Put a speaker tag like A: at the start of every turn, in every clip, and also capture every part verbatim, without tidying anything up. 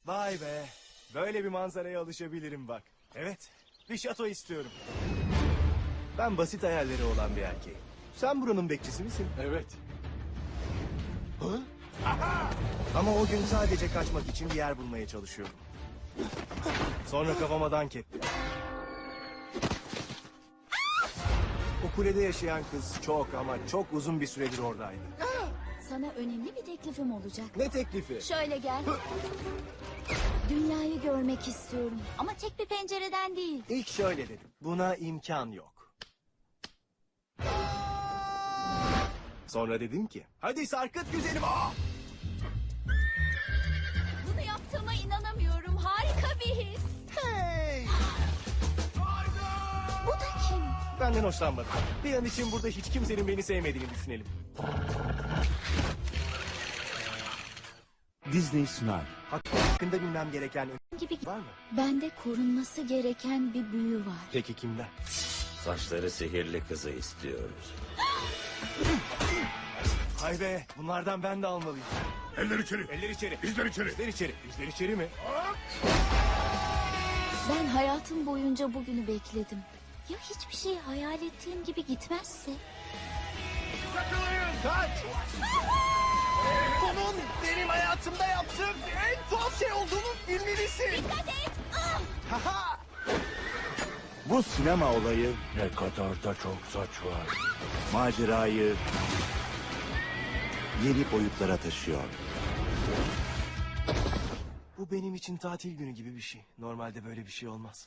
A: Vay be. Böyle bir manzaraya alışabilirim bak. Evet. Bir şato istiyorum. Ben basit hayalleri olan bir erkeğim. Sen buranın bekçisi misin?
B: Evet.
A: Hı? Ama o gün sadece kaçmak için bir yer bulmaya çalışıyordum. Sonra kafama dank etti. O kulede yaşayan kız çok ama çok uzun bir süredir oradaydı.
C: Sana önemli bir teklifim olacak.
A: Ne teklifi?
C: Şöyle gel. Dünyayı görmek istiyorum. Ama tek bir pencereden değil.
A: İlk şöyle dedim. Buna imkan yok. Sonra dedim ki, hadi sarkıt güzelim. Aa!
C: Bunu yaptığıma inanamıyorum. Harika bir his.
A: Hey!
C: Bu da kim?
A: Benden hoşlanmadı. Bir an için burada hiç kimsenin beni sevmediğini düşünelim.
B: Disney sunar.
A: Hakkında bilmem gereken
C: Gibi
A: var mı?
C: bende korunması gereken bir büyü var.
A: Peki kimden?
D: Saçları sihirli kızı istiyoruz.
A: Hay be, bunlardan ben de almalıyım.
E: Eller içeri.
A: Eller içeri.
E: Bizler içeri.
A: Bizler içeri. Bizler içeri mi?
C: Ben hayatım boyunca bugünü bekledim. Ya hiçbir şey hayal ettiğim gibi gitmezse?
A: Kaç! Bunun benim hayatımda yaptığım en tuhaf şey olduğunu bilmelisin.
C: Dikkat et! Ah!
A: Haha!
B: Bu sinema olayı ne kadar da çok saç var. Macerayı yeni boyutlara taşıyor.
A: Bu benim için tatil günü gibi bir şey. Normalde böyle bir şey olmaz.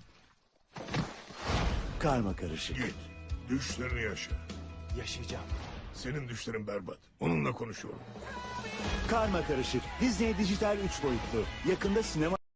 B: Karma karışık.
E: Git. Düşlerini yaşa.
A: Yaşayacağım.
E: Senin düşlerin berbat. Onunla konuşuyorum.
B: Karma karışık. Disney Dijital üç boyutlu. Yakında sinema